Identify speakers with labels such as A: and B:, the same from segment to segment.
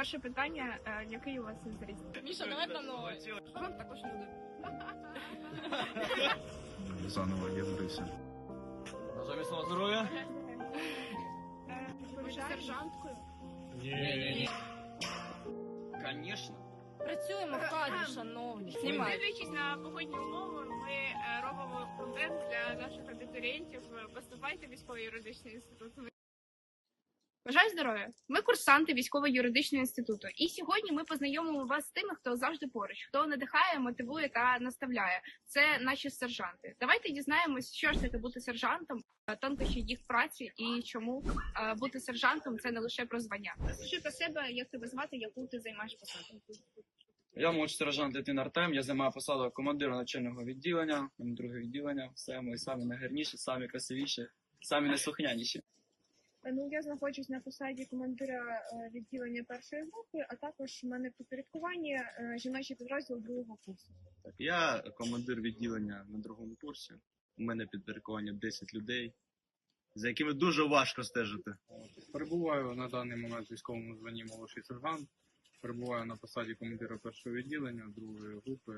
A: Перше питання, який у вас зріст?
B: Міша, давай по новой.
A: Вам також люди.
C: Заново я вбився.
D: Бажаю міцного здоров'я.
A: Ви сержанткою?
D: Ні. Конечно.
B: Працюємо в кадрі, шановні. Знімай.
A: Дивлячись на погодні умови, ми робимо контент для наших абітурієнтів. Поступайте в військово-юридичний інститут. Бажаю здоров'я! Ми курсанти військово-юридичного інституту. І сьогодні ми познайомимо вас з тими, хто завжди поруч, хто надихає, мотивує та наставляє. Це наші сержанти. Давайте дізнаємось, що ж таке бути сержантом, тонкощі їх праці і чому бути сержантом – це не лише про звання. Скажи про себе, як тебе звати, яку ти займаєш посаду.
D: Я молодший сержант Литвин Артем, я займаю посаду командира начального відділення, друге відділення. Все, ми самі найгарніші, самі красивіші, самі найслухняніші.
A: Ну, я знаходжусь на посаді командира відділення першої групи, а також в мене в підпорядкуванні жіночий підрозділ другого курсу.
C: Так, я командир відділення на другому курсі. У мене підпорядкування 10 людей, за якими дуже важко стежити.
E: Перебуваю на даний момент в військовому званні молодший сержант. Перебуваю на посаді командира першого відділення, другої групи,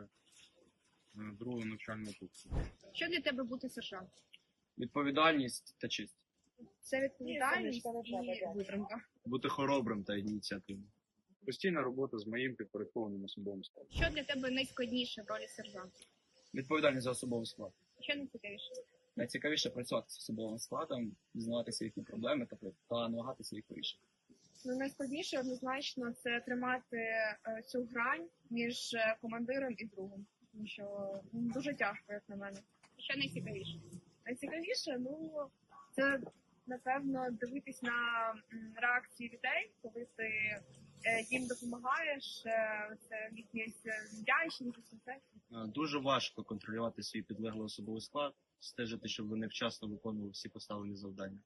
E: другого навчального курсу.
A: Що для тебе бути сержантом?
D: Відповідальність та честь.
A: Це відповідальність і витримка.
C: Бути хоробрим та ініціативним.
E: Постійна робота з моїм підпорядкованим особовим складом.
A: Що для тебе найскладніше в ролі сержанта?
D: Відповідальність за особовий склад.
A: Що найцікавіше?
D: Найцікавіше працювати з особовим складом, дізнаватися їхні проблеми та намагатися їх вирішити.
A: Ну, найскладніше однозначно це тримати цю грань між командиром і другом. Тому що дуже тяжко, як на мене. Що найцікавіше? Найцікавіше, це напевно дивитись на реакції людей, коли ти їм допомагаєш, це якісь вдячність.
C: Дуже важко контролювати свій підлеглий особовий склад, стежити, щоб вони вчасно виконували всі поставлені завдання.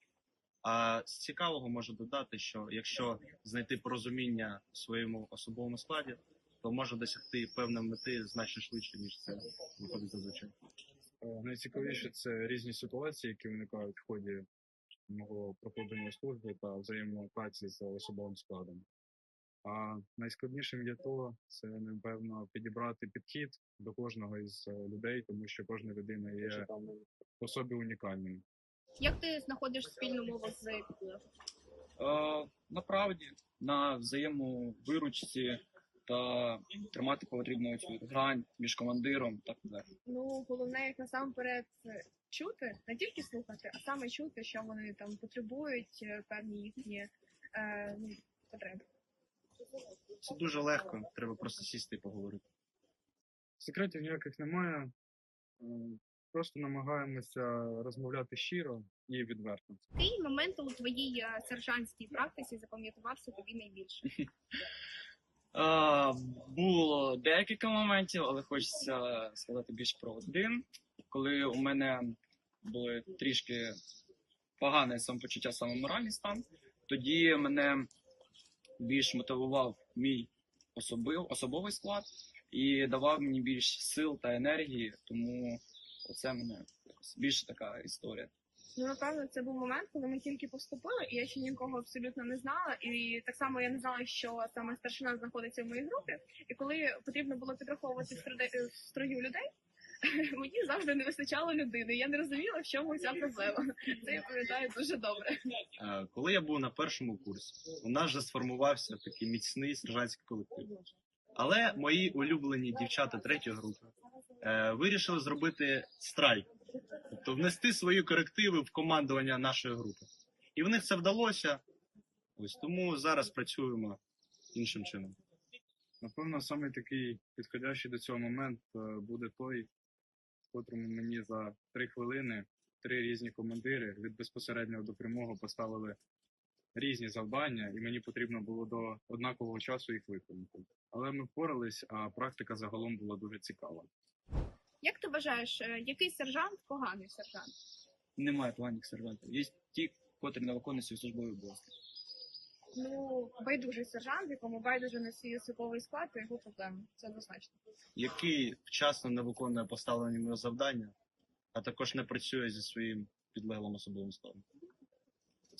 C: А з цікавого можу додати, що якщо знайти порозуміння в своєму особовому складі, то може досягти певної мети значно швидше, ніж це виходить зазвичай.
E: Найцікавіше це різні ситуації, які виникають в ході мого проходження служби та взаємопраці з особовим складом. А найскладнішим є це, напевно, підібрати підхід до кожного із людей, тому що кожна людина є по собі унікальною.
A: Як ти знаходиш спільну мову з підлеглим?
D: Направді, на взаємовиручці та тримати потрібну цю грань між командиром та підлеглим.
A: Ну, головне, як насамперед, чути, не тільки слухати, а саме чути, що вони там потребують, певні їхні потреби.
C: Це дуже легко, треба просто сісти і поговорити.
E: Секретів ніяких немає. Просто намагаємося розмовляти щиро і відверто.
A: Який момент у твоїй сержантській практиці запам'ятався тобі найбільше?
D: Було декілька моментів, але хочеться сказати більш про один. Коли у мене були трішки погане самопочуття, саме моральний стан, тоді мене більш мотивував мій особовий склад і давав мені більш сил та енергії, тому оце мене більше така історія.
A: Ну, напевно, це був момент, коли ми тільки поступили, і я ще нікого абсолютно не знала. І так само я не знала, що саме старшина знаходиться в моїй групі. І коли потрібно було підраховувати в строю людей, мені завжди не вистачало людини. Я не розуміла, в чому ця проблема. Це я пам'ятаю дуже добре.
C: Коли я був на першому курсі, у нас вже сформувався такий міцний сержантський колектив. Але мої улюблені дівчата третьої групи вирішили зробити страйк. Тобто внести свої корективи в командування нашої групи. І в них це вдалося. Ось тому зараз працюємо іншим чином.
E: Напевно, саме такий підходящий до цього момент буде той, в котрому мені за 3 хвилини 3 різні командири від безпосереднього до прямого поставили різні завдання, і мені потрібно було до однакового часу їх виконати. Але ми впорались, а практика загалом була дуже цікава.
A: Як ти вважаєш, який сержант поганий сержант?
D: Немає поганих сержантів. Є ті, котрі не виконують свої службові обов'язки.
A: Ну, байдужий сержант, якому байдуже на свій особовий склад, то його проблеми. Це однозначно.
C: Який вчасно не виконує поставлені йому завдання, а також не працює зі своїм підлеглим особовим складом.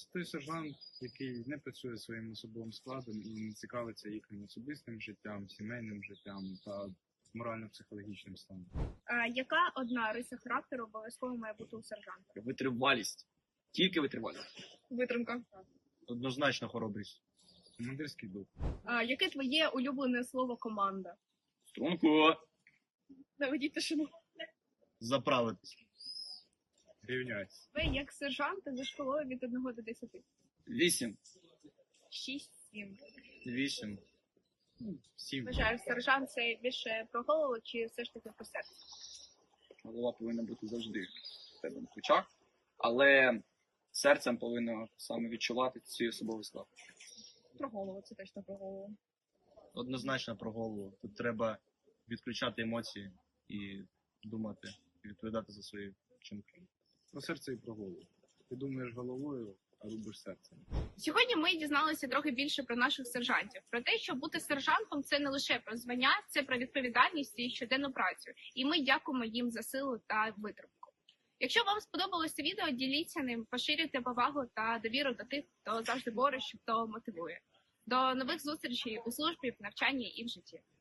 E: Це той сержант, який не працює своїм особовим складом і не цікавиться їхнім особистим життям, сімейним життям та морально-психологічним станом.
A: Яка одна риса характеру обов'язково має бути у сержанта?
D: Витривалість. Тільки витривалість.
A: Витримка.
C: Однозначно хоробрість.
E: Командирський дух.
A: Яке твоє улюблене слово команда?
D: Струнку.
A: Наведіть тишину.
C: Заправитись.
E: Рівняйся.
A: Ви як сержант за школою від 1 до 10.
D: 8.
A: 6-7.
C: 8. 7.
A: Вважаю, сержант це більше про голову чи все ж таки про серце?
D: Голова повинна бути завжди в тебе на плечах, але серцем повинно саме відчувати свій особовий склад.
A: Про голову, це точно про голову.
C: Однозначно про голову. Тут треба відключати емоції і думати, і відповідати за свої вчинки.
E: Про серце і про голову. Ти думаєш головою, а робиш серцем.
A: Сьогодні ми дізналися трохи більше про наших сержантів, про те, що бути сержантом це не лише про звання, це про відповідальність і щоденну працю. І ми дякуємо їм за силу та витримку. Якщо вам сподобалося це відео, діліться ним, поширюйте повагу та довіру до тих, хто завжди бореться, хто мотивує. До нових зустрічей у службі, в навчанні і в житті.